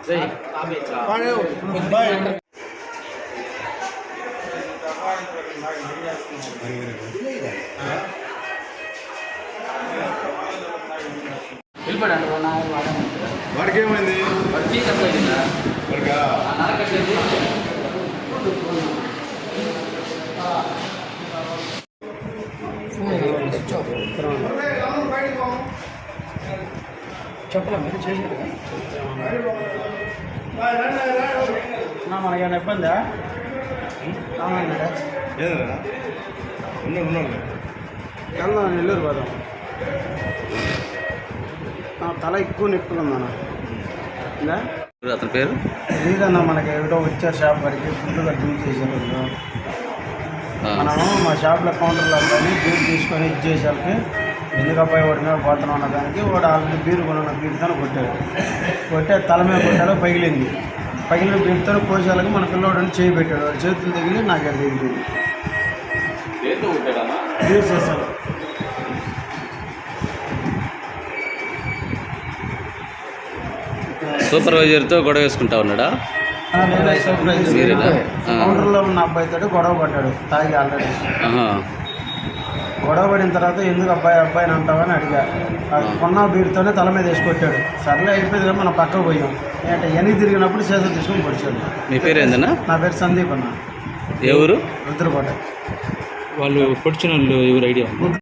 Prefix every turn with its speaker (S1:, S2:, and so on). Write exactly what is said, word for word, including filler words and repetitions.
S1: వెళ్ళిపోయాడు
S2: వాడికి ఏమైంది?
S1: వాడికి చెప్పలే మీరు చేసారు మనకేమైనా ఇబ్బందా?
S2: ఏదన్నా ఉన్నాడు ఉన్నాడు
S1: వెళ్దాం నెల్లూరు పోదాం. నా తల ఎక్కువ నొప్పులు ఉందన్న.
S3: అతని పేరు
S1: లేదన్నా, మనకి ఏదో వచ్చారు షాప్ వరకు ఫుడ్ డ్యూట్ చేశారు. మనము మా షాప్లో కౌంటర్లో కానీ బీరు తీసుకొని ఇది చేసేకి ఎందుకు అబ్బాయి వాడి మీద పోతున్నాం అన్న దానికి వాడు ఆల్రెడీ బీరు కొన్న బీరుతో కొట్టాడు. కొట్టే తల మీద కొట్టాడు, పగిలింది. పగిలిన బీరుతో కోసాలకి మన పిల్లవాడిని చేయి పెట్టాడు. వాడు చేతులు తగిలి నాకు అది తగిలింది. బీరు చేశాను.
S3: సూపర్వైజర్తో గొడవ వేసుకుంటా ఉన్నాడా?
S1: కౌంటర్లో ఉన్న అబ్బాయితో గొడవ పడ్డాడు తాగి ఆల్రెడీ. గొడవ పడిన తర్వాత ఎందుకు అబ్బాయి అబ్బాయిని అంటావని అడిగా. కొన్న బీరుతోనే తల మీద వేసుకొట్టాడు. సర్లే అయిపోయింది కదా మనం పక్కకు పోయాం. అంటే ఎనికి తిరిగినప్పుడు చేతులు తీసుకొని పొడిచాడు.
S3: మీ పేరు ఏందన్నా?
S1: నా పేరు సందీప్ అన్న.
S3: ఎవరు?
S1: రుద్రకోట.
S3: వాళ్ళు పొడిచిన వాళ్ళు ఎవరు ఐడియా?